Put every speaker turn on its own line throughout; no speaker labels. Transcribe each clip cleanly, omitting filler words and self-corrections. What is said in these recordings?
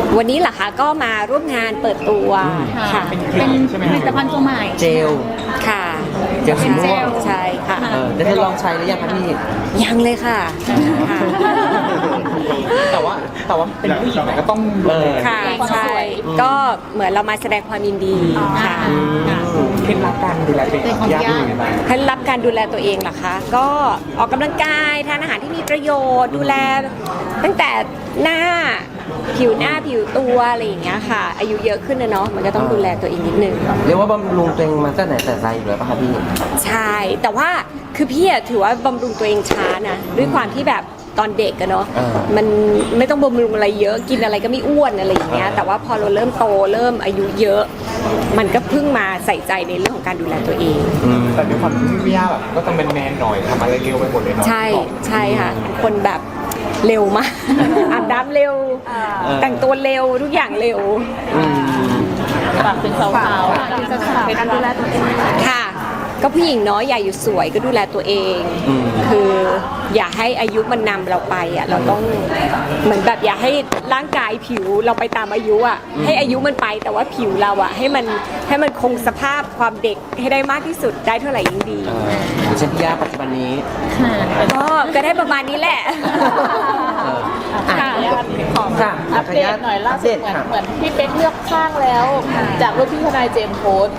วันนี้เหรอคะก็มาร่วมงานเปิดตัวค่ะ
เป็นผลิตภัณฑ์ตัวใหม่
เจล
ค่ะ
เจลสีม่วง
ใช่ค่ะ
ได้ลองใช้หรือยังคะพี่
ยังเลยค่ะ
แต่ว่าเป็นผู้หญิงก็ต้อง
ค่ะใช่ก็เหมือนเรามาแสดงความยินดีค่ะ
เคล็ดลับการดูแลตัวเองยากยังไงบ้าง
เคล็ดลับการดูแลตัวเองเหรอคะก็ออกกำลังกายทานอาหารที่มีประโยชน์ดูแลตั้งแต่หน้าผิวหน้าผิวตัวอะไรอย่างเงี้ยค่ะอายุเยอะขึ้นนะเนาะมันก็ต้องดูแลตัวเองนิดนึง
เรียกว่าบำรุงตัวเองมาตั้งแต่ไหนแต่ไรอยู่แล้วป่ะคะพี่
ใช่แต่ว่าคือพี่ถือว่าบำรุงตัวเองช้านะด้วยความที่แบบตอนเด็กอะเนาะมันไม่ต้องบำรุงอะไรเยอะกินอะไรก็ไม่อ้วนอะไรอย่างเงี้ยแต่ว่าพอเราเริ่มโตเริ่มอายุเยอะมันก็เพิ่งมาใส่ใจในเรื่องของการดูแลตัวเอง
แต่ด้วยความที่พี่ย่าแบบก็ต้องเป็นแมนหน่อยทำอะไรเร็วไปหมดเลยเนาะ
ใช่ใช่ค่ะคนแบบเร็วมากอาบน้ำเร็วแต่งตัวเร็วทุกอย่างเร็ว
ฝากถึงสาวๆเป็นการดูแลตัวเอง
ค่ะก็ผู้หญิงเนาะอย่าอยู่สวยก็ดูแลตัวเองคืออย่าให้อายุมันนำเราไปอ่ะเราต้องเหมือนแบบอย่าให้ร่างกายผิวเราไปตามอายุอ่ะให้อายุมันไปแต่ว่าผิวเราอ่ะให้มันคงสภาพความเด็กให้ได้มากที่สุดได้เท่าไหร่ยิ่งดี
อย่างเช่นพี่ย่าปัจจุบันนี้
ก็ได้ประมาณนี้แหละ
ขออัปเดตหน่อยล่าสุดเหมือนพี่เป๊กเลือกข้างแล้วจากรูปพี่ทนายเจมส์โพส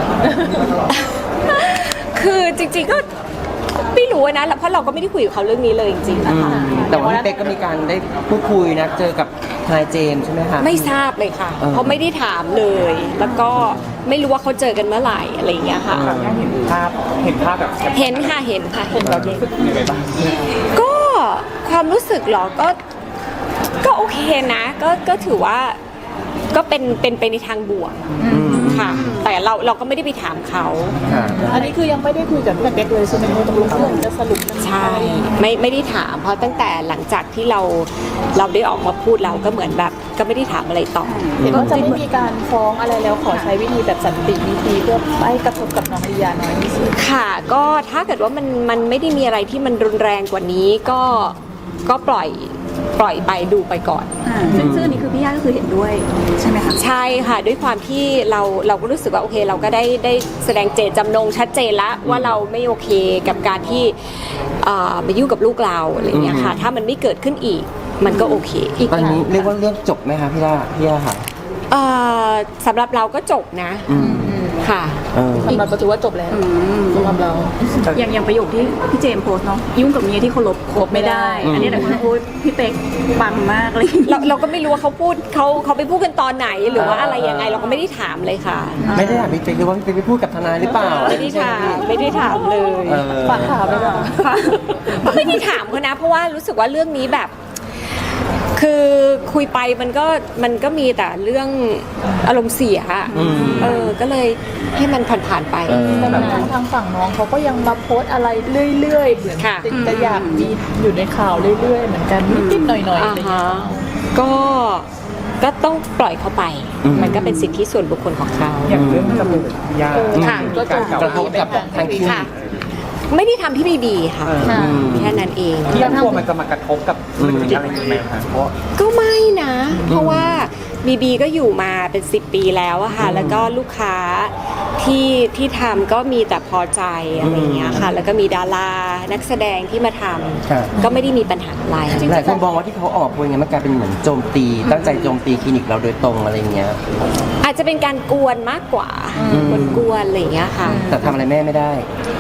คือจริงๆก็ไม่รู้นะเพราะเราก็ไม่ได้คุยกับเขาเรื่องนี้เลยจริงๆนะคะ
แต่ว่าพี่เป๊กก็มีการได้พูดคุยนะเจอกับทนายเจมส์ใช่ไหมคะ
ไม่ทราบเลยค่ะเพราะไม่ได้ถามเลยแล้วก็ไม่รู้ว่าเขาเจอกันเมื่อไหร่อะไรอย่างเงี้ยค่ะ
เห็นภาพแบบ
เห็นค่ะ
เรารู้สึกยังไงบ้าง
ก็ความรู้สึกหรอก็โอเคนะก็ถือว่าก็เป็นไปในทางบวกค่ะแต่เราก็ไม่ได้ไปถามเขา
อันนี้คือยังไม่ได้คุยกับพี่เป๊กเลยใช่ไหมว่าตกลงเรื่องจะสรุป
ใช่ไม่ได้ถามเพราะตั้งแต่หลังจากที่เราได้ออกมาพูดเราก็เหมือนแบบก็ไม่ได้ถามอะไรต่อ
เห็นว่าจะไม่มีการฟ้องอะไรแล้วขอใช้วิธีแบบสันติวิธีเพื่อไม่กระทบกับน้องลียาน้อยที่สุด
ค่ะก็ถ้าเกิดว่ามันไม่ได้มีอะไรที่มันรุนแรงกว่านี้ก็ปล่อยไปดูไปก่อน
ซึ่งอันนี้คือพี่ย่าก็คือเห็นด้วยใช่ไหมคะ
ใช่ค่ะด้วยความที่เราก็รู้สึกว่าโอเคเราก็ได้แสดงเจตจำนงชัดเจนแล้วว่าเราไม่โอเคกับการที่ไปยุ่งกับลูกเราอะไรอย่างเงี้ยค่ะถ้ามันไม่เกิดขึ้นอีกมันก็โอเค
ตอนนี้เรียกว่าเรื่องจบไหมคะพี่ย่าค่ะ
สำหรับเราก็จบนะค่ะ
สำหรับเราถือว่าจบแล้วสำหรับเรา
อย่างประโยคที่พี่เจมส์โพสเนาะยุ่งกับเมียที่เคารพคบไม่ได้อันนี้แต่คนโอ้ยพี่เป๊กปังมากเลย
เราก็ไม่รู้ว่าเขาไปพูดกันตอนไหนหรือว่าอะไรยังไงเราก็ไม่ได้ถามเลยค่ะ
ไม่ได้ถามพี่เป๊กหรือว่าพี่เป๊กไปพูดกับทนายหรือเปล่า
ไม่ได้ถามเลย
ฝากถามไปก่อน
ก็ไม่ได้ถามเขานะเพราะว่ารู้สึกว่าเรื่องนี้แบบคือคุยไปมันก็มีแต่เรื่องอารมณ์เสียก็เลยให้มันผ่านไป
แต่แบบทางฝั่งน้องเขาก็ยังมาโพสอะไรเรื่อยๆเหมือนจะอยากมีอยู่ในข่าวเรื่อยๆเหมือนกันนิดๆหน่อยๆอะไรอย่างเงี้ย
ก็ต้องปล่อยเขาไปมันก็เป็นสิทธิส่วนบุคคลของเขา
อย่างเรื่องจมูกยา
ก็จะ
กระทบกับทางคิ้ว
ไม่ได้ทำที่บีค่ะแค่นั้นเอง
ที่กลัวมันจะมากระทบกับธุรกิจอะไรอย่างเงี้ยคะเพราะ
ก็ไม่นะเพราะว่าบีก็อยู่มาเป็น10 ปีแล้วอะค่ะแล้วก็ลูกค้าที่ทำก็มีแต่พอใจอะไรอย่างเงี้ยค่ะแล้วก็มีดารานักแสดงที่มาทำก็ไม่ได้มีปัญหาอะไร
หลายคนมองว่าที่เขาออกพูดอย่างเงี้ยมันกลายเป็นเหมือนโจมตีตั้งใจโจมตีคลินิกเราโดยตรงอะไรเงี้ย
อาจจะเป็นการกวนมากกว่ากวนอะไรอย่างเงี้ยค่ะ
แต่ทำอะไรแม่ไม่ได้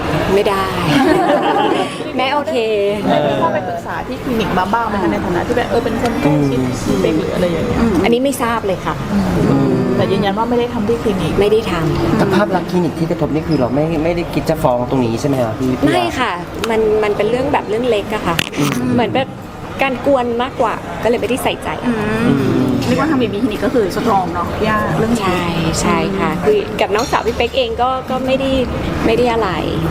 แม่โอเค
พ่อไปปรึกษาที่คลินิกมาบ้างไหมคะในฐานะที่แบบเป็นคนใกล้ชิดเป็นหรืออะไรอย่างเงี้ย
อันนี้ไม่ทราบเลยค่ะ
แต่ยืนยันว่าไม่ได้ทำที่คลินิก
ไม่ได้ทำ
แต่ภาพลักษณ์คลินิกที่กระทบนี่คือเราไม่ได้คิดจะฟ้องตรงนี้ใช่ไหมคะพี่
ไม่ค่ะมันเป็นเรื่องแบบเรื่องเล็กอะค่ะเหมือนแบบการกวนมากกว่าก็เลยไม่ได้ใส่ใจ
เรียกว่าทางบีคลินิกก็คือสตรองเนาะย่าเรื่อง
ใช่ค่ะคือกับน้องสาวพี่เป๊กเองก็ไม่ได้อะไร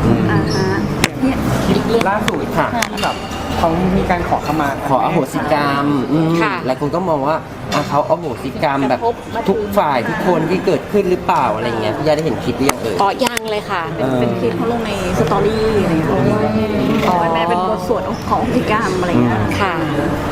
ล่าสุดค่ะที่แบบเขามีการขอ
อโหสิกรรมหลายคนก็มองว่าเขาอโหสิกรรมแบบทุกฝ่ายทุกคนที่เกิดขึ้นหรือเปล่าอะไรเงี้ยพี่ย่าได้เห็นคลิปหรือยัง
ยังเลยค่ะ
เป็นคลิปเขาลงในสตอรี่อะไรเงี้ยว่าแม่เป็นบทสวดของอโหสิกรรมอะไรเงี้ย
ค่ะ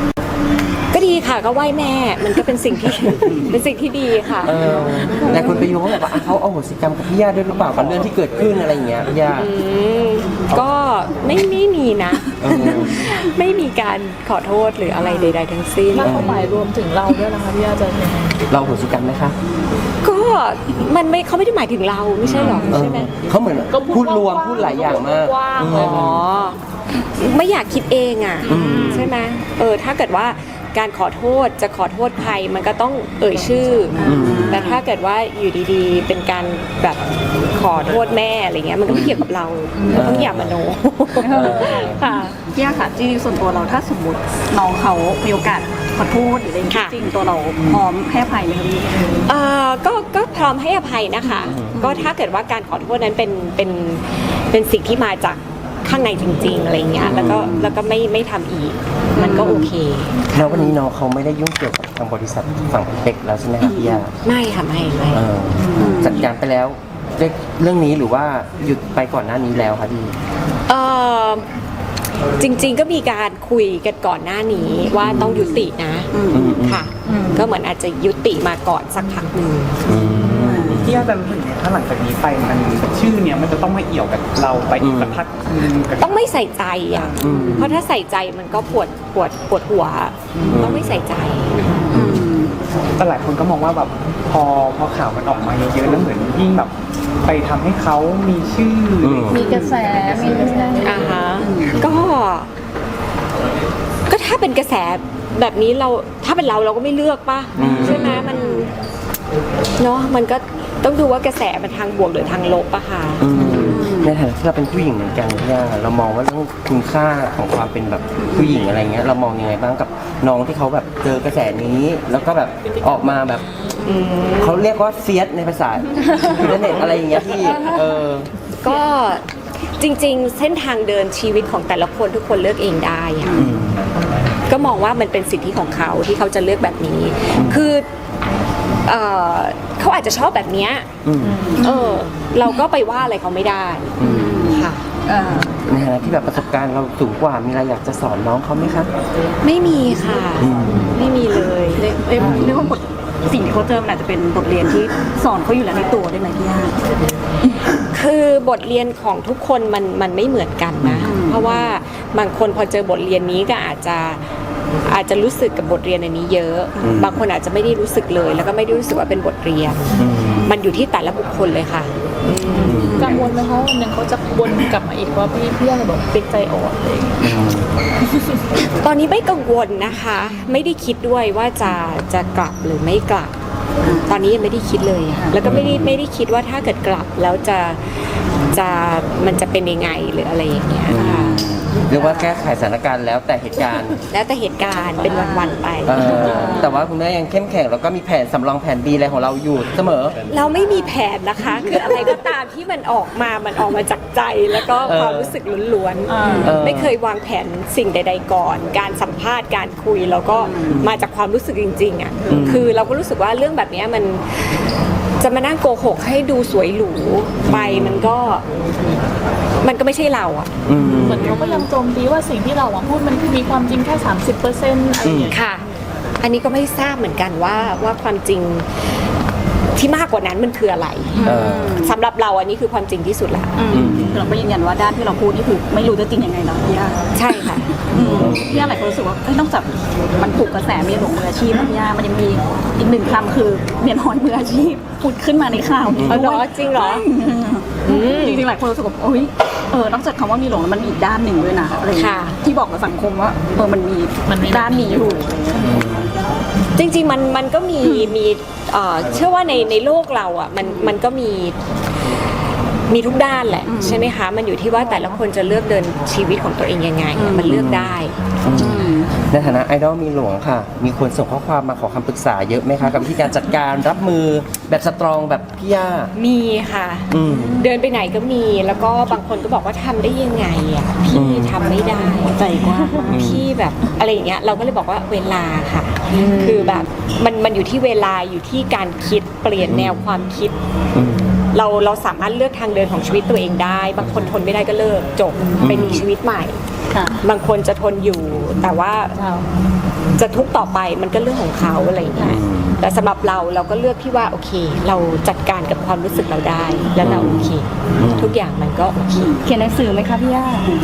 ก็ดีค่ะก็ไหว้แม่มันก็เป็นสิ่งที่ เป็นสิ่งที่ดีค่ะ
แต่คนไปโยงแบบว่าเขาเอาโหสิกรรมกับพี่ย่าด้วยหรือเปล่ากับเรื่องที่เกิดขึ้นอะไรอย่างเงี้ยพี่ย่า
ก็ไม่มีนะ ไม่มีการขอโทษหรืออะไรใด ๆ ทั้งสิ้น
ถ้าเขาหมายรวมถึงเราด้วยนะคะพี่ย่าจะยังไง
เราโหสิกรรมไหมคะ
ก็มันไม่เขาไม่ได้หมายถึงเราไม่ใช่หรอใช่ไหม
เขาเหมือนพูดรวมพูดหลายอย่างมาก
กว้างๆเลย
อ๋อไม่อยากคิดเองอ่ะใช่ไหมถ้าเกิดว่าการขอโทษจะขอโทษใครมันก็ต้องเอ่ยชื่ออแต่ถ้าเกิดว่าอยู่ดีๆ เป็นการแบบขอโทษแม่อะไรเงี้ยมันก็ไม่เกี่ยวกับเราเราต้องอย่ามโนค่ะ
พี่ย่าค่ะจริงๆส่วนตัวเราถ้าสมมติน้องเขามีโอกาสขอโทษหรืออะไรอย่างเงี้ย
ค่ะ
จริงๆตัวเราพร้อมให้อภัยไหมคะพี่
ก็พร้อมให้อภัยนะคะ ก็ถ้าเกิดว่าการขอโทษนั้นเป็นสิ่งที่มาจากข้างในจริงๆอะไรเงี้ยแล้วก็ไม่ทำอีก มันก็โอเค
แล้ววันนี้น้องเขาไม่ได้ยุ่งเกี่ยวกับทางบริษัทฝั่งเด็กแล้วใช่ไหมครับพี่ย่า
ไม่ค่ะไม่
จัดการไปแล้วเรื่องนี้หรือว่าหยุดไปก่อนหน้านี้แล้วคะพี่
เอ่อจริงๆก็มีการคุยกันก่อนหน้านี้ว่าต้องยุตินะค่ะ ก็เหมือนอาจจะยุติมาก่อนสักพักหนึ่ง
ที่อาจารย์เห็นถ้าหลังจากนี้ไปมันชื่อเนี้ยมันจะต้องมาเอี่ยวกับเราไปอีกสักพักนึงกับ
ต้องไม่ใส่ใจอ่ะเพราะถ้าใส่ใจมันก็ปวดหัวต้องไม่ใส่ใจ
แต่หลายคนก็มองว่าแบบพอข่าวมันออกมาเยอะๆแล้วเหมือนยิ่งแบบไปทำให้เขามีชื่ออ
มีกระแสมีกระแส
ก็ถ้าเป็นกระแสแบบนี้ถ้าเป็นเราก็ไม่เลือกป่ะใช่ไหมมันเนาะมันก็ต้องดูว่ากระแสมันทางบวกหรือทางลบอะค่ะ
ในฐานะที่เราเป็นผู้หญิงเหมือนกันพี่ย่าเรามองว่าเรื่องคุณค่าของความเป็นแบบผู้หญิงอะไรเงี้ยเรามองยังไงบ้างกับน้องที่เขาแบบเจอกระแสนี้ แล้วก็แบบออกมาแบบเขาเรียกว่าเฟียสในภาษาอินเทอร์เน็ตอะไรอย่างเงี้ยพี่
ก็จริงๆเส้นทางเดินชีวิตของแต่ละคนทุกคนเลือกเองได้ค่ะก็มองว่ามันเป็นสิทธิของเขาที่เขาจะเลือกแบบนี้คือเขาอาจจะชอบแบบเนี้ยเราก็ไปว่าอะไรเขาไม่ได้ค่ะ
ในฐานะที่แบบประสบการณ์เราสูงกว่ามีอะไรอยากจะสอนน้องเขาไหมคะ
ไม่มีค่ะไม่มีเลย
เรียกว่าบทสิ่งที่เขาเจอมันอาจจะเป็นบทเรียนที่สอนเขาอยู่แล้วในตัวได้ไหมพี่ย่า
คือบทเรียนของทุกคนมันไม่เหมือนกันนะเพราะว่าบางคนพอเจอบทเรียนนี้ก็อาจจะรู้สึกกับบทเรียนอันนี้เยอะบางคนอาจจะไม่ได้รู้สึกเลยแล้วก็ไม่ได้รู้สึกว่าเป็นบทเรียนมันอยู่ที่แต่ละบุคคลเลยค่ะ
กังวลไหมคะวันหนึ่งเขาจะวนกลับมาอีกว่าพี่ย่าบอกติ๊กใจอ่อนอะไรอย่างเงี้ย
ตอนนี้ไม่กังวลนะคะ ไม่ได้คิดด้วยว่าจะกลับหรือไม่กลับ ตอนนี้ยังไม่ได้คิดเลยอะแล้วก็ไม่ได้คิดว่าถ้าเกิดกลับแล้วมันจะเป็นยังไงหรืออะไรอย่างเงี้ยค่ะ
เรียกว่าแก้ไขสถานการณ์แล้วแต่เหตุการณ์
แล้วแต่เหตุการณ์เป็นวันๆไป
แต่ว่าคุณแม่ยังเข้มแข็งแล้วก็มีแผนสำรองแผน B อะไรของเราอยู่เสมอ
เราไม่มีแผนนะคะ คืออะไรก็ตามที่มันออกมาจากใจแล้วก็ความรู้สึกล้วนๆไม่เคยวางแผนสิ่งใด ๆ ก่อน การสัมภาษณ์การคุยแล้วก็มาจากความรู้สึกจริงๆอ่ะคือเราก็รู้สึกว่าเรื่องแบบนี้มันจะมานั่งโกหกให้ดูสวยหรูไปมันก็ไม่ใช่เราอ่ะ
เหมือนเขาก็ยังโจมตีว่าสิ่งที่เราพูดมันมีความจริงแค่ 30%อะไรอย่างเงี้ย
ค่ะ อันนี้ก็ไม่ทราบเหมือนกันว่าความจริงที่มากกว่านั้นมันคืออะไรสำหรับเราอันนี้คือความจริงที่สุดละ
เราก็ยืนยันว่าด้านที่เราพูดนี่คือไม่รู้จะจริงยังไงเนาะพี่ย่า
ใช่ค่ะ
พี่ย่าหลายคนรู้สึกว่าเอ้ยนอกจากมันผูกกระแสเมียหลวงมืออาชีพพี่ย่ามันยังมีอีกหนึ่งคำคือเมียน้อยมืออาชีพพูดขึ้นมาในข่าวนี้
อ๋อเหรอจริงเหรอ
จริงๆหลายคนรู้สึกว่าโอ๊ยนอกจากคำว่ามีหลวงแล้วมันมีอีกด้านหนึ่งด้วยนะอะไรอย่างเงี้ยที่บอกกับสังคมว่ามันมีด้านนี้อยู่
จริงๆมันก็มีเชื่อว่าในโลกเราอ่ะมันก็มีทุกด้านแหละใช่ไหมคะมันอยู่ที่ว่าแต่ละคนจะเลือกเดินชีวิตของตัวเองยังไงมันเลือกได้
ในฐานะไอดอลมีหลวงค่ะ มีคนส่งข้อความมาขอคำปรึกษาเยอะไหมคะกับวิธีการจัดการรับมือแบบสตรองแบบพี่ย่า
มีค่ะเดินไปไหนก็มีแล้วก็บางคนก็บอกว่าทำได้ยังไงอ่ะพี่ทำไม่ได้ใจกว้างพี่แบบอะไรอย่างเงี้ยเราก็เลยบอกว่าเวลาค่ะคือแบบมันอยู่ที่เวลาอยู่ที่การคิดเปลี่ยนแนวความคิดเราสามารถเลือกทางเดินของชีวิตตัวเองได้บางคนทนไม่ได้ก็เลิกจบไปมีชีวิตใหม่บางคนจะทนอยู่แต่ว่าจะทุกข์ต่อไปมันก็เรื่องของเขาอะไรอย่างเงี้ยแต่สำหรับเราก็เลือกที่ว่าโอเค เราจัดการกับความรู้สึกเราได้ แล้วเราโอเค ทุกอย่างมันก็โอเค
เขียนหนังสือไหมคะพี่ย่า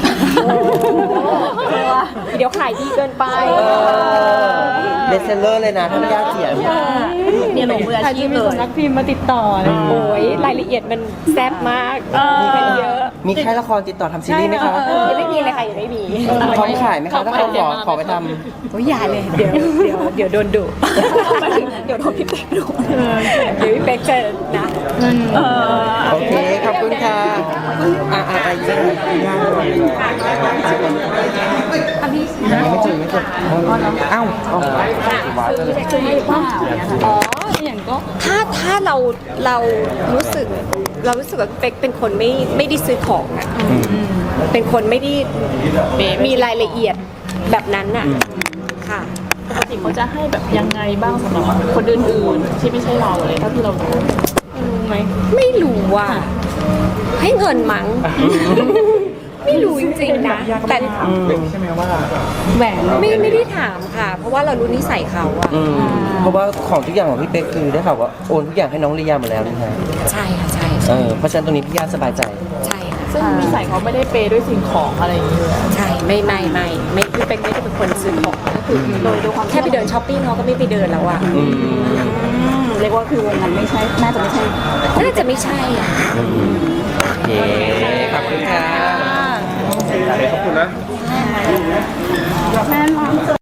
เดี๋ยวขายดีเกินไป
เบสเซลเลอร์เลยนะถ้าไม่ยากเขียน
เมียหลวงมืออาชีพเลย
นักพิมพ์มาติดต่อเลย
โอ้ยรายละเอียดมันแซ่บมากมีกันเยอะ
มีค่ายละครติดต่อทำซีรีส์ไหมคะ
ยังไม่มีเลยค่ะยังไม่มี
พร้อมขายไหมคะถ้าเขาขอไปท
โอ้ยอย่าเลยเดี๋ยวโดนดุ
เดี๋ยวโดนพี่เป๊กดู
เดี๋ยวพี่เป๊กจะนะ
ำโอเคขอบคุณค่ะอีกสักหน่อยยังไม่เจออ้าว
อ๋ออย่างก็ถ้าเรารู้สึกว่าเป๊กเป็นคนไม่ได้ซื้อของอ่ะเป็นคนไม่ได้มีรายละเอียดแบบนั้นน่ะค่ะ
ปกติเขาจะให้แบบยังไงบ้างสำหรับคนอื่นๆที่ไม่ใช่เราเลยเท่าที่เรารู้ไหม
ไม่รู้ว่าให้เงินมั้ง ไม่รู้จริงๆนะแต่
ใช่ไหมว่า
แหวน
ไม่ได้ถามค่ะ เพราะว่าเรารู้นิสัยเขาอะ
เพราะว่าของทุกอย่างของพี่เป๊กคือได้ข่าวว่าโอนทุกอย่างให้น้องลียาหมดแล้วนี่ฮะ
ใช่ค่ะใช่
เพราะฉะนั้นตรงนี้พี่ย่าสบายใจ
ใช่ค่ะ
ซึ่งนิสัยเขาไม่ได้เปย์ด้วยสิ่งของอะไรอย่างเงี้ย
ใช่ไม่คือเป็นไม่ได้เป็นคนซื้อของก็คือโดยความแค่ไปเดินช้อปปิ้งเขาก็ไม่ไปเดินแล้วอะ
เรียกว่าคือวงนั้นไม่ใช่น่าจะไม่ใช่
น่าจะไม่ใช่อะ
โอเค ขอบคุณค่ะ
ขอบคุณนะ
แม่